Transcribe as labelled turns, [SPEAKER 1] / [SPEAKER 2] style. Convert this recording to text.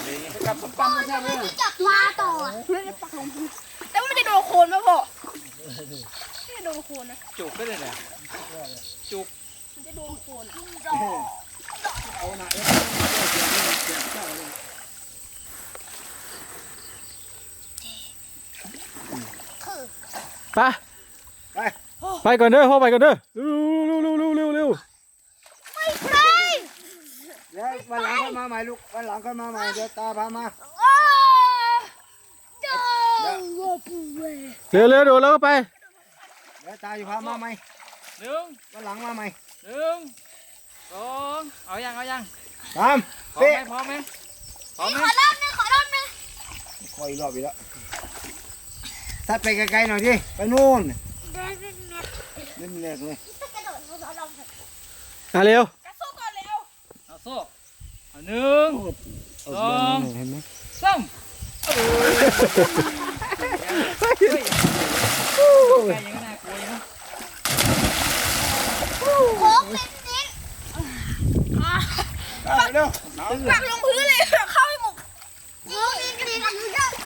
[SPEAKER 1] กับผมปั๊มไม่ใช่ไหม
[SPEAKER 2] จับมาต่อไม่ได้ปักลงพื้นแต่ว่ามันจะโดนโคนป่ะพ่อไม่โดนโคนนะ
[SPEAKER 1] จุกก็เลยเนี่ยจุก
[SPEAKER 2] มันจะโดนโคน
[SPEAKER 1] เอาหน่อย
[SPEAKER 3] ไปก่อนเด้อพ่อไปก่อนเด้อเร็ว
[SPEAKER 2] ไม่ใช่
[SPEAKER 4] เดี๋ยววันหลังก็มาใหม่ลูกวันหลังก็มาใหม่เดี๋ยวตาพามา
[SPEAKER 2] เจ้า
[SPEAKER 3] เร็วโดดแล้วก็ไป
[SPEAKER 4] เดี๋ยวตาอยู่พามาใหม่
[SPEAKER 1] หนึ่ง
[SPEAKER 4] วันหลังมาใหม่
[SPEAKER 1] หนึ่งสองเอายัง
[SPEAKER 4] ตาม
[SPEAKER 1] พร้อม
[SPEAKER 4] เป๊ะ
[SPEAKER 1] ไหมพร้อมไหมพร้อมไหม
[SPEAKER 2] ขอรอบนึงขอรอบนึง
[SPEAKER 4] คอยรอบอีกแล้วซัดไปไกลๆหน่อยดิไปนู่น
[SPEAKER 2] เดินเป็นเม็ด
[SPEAKER 4] เล่นเล็กเลย
[SPEAKER 2] กระโดดขอรอบนึง
[SPEAKER 3] เร็ว
[SPEAKER 2] กระสู้ก่อนเร็ว
[SPEAKER 1] เอาโซ่เอาหนึ่ง
[SPEAKER 4] เอาเรื่องนี้เห็นไหม
[SPEAKER 1] สามใกล้ยังน่ากลัวอยู่นะ
[SPEAKER 2] โค้งเป็นนิด
[SPEAKER 4] เร็ว
[SPEAKER 2] ปักลงพื้นเลย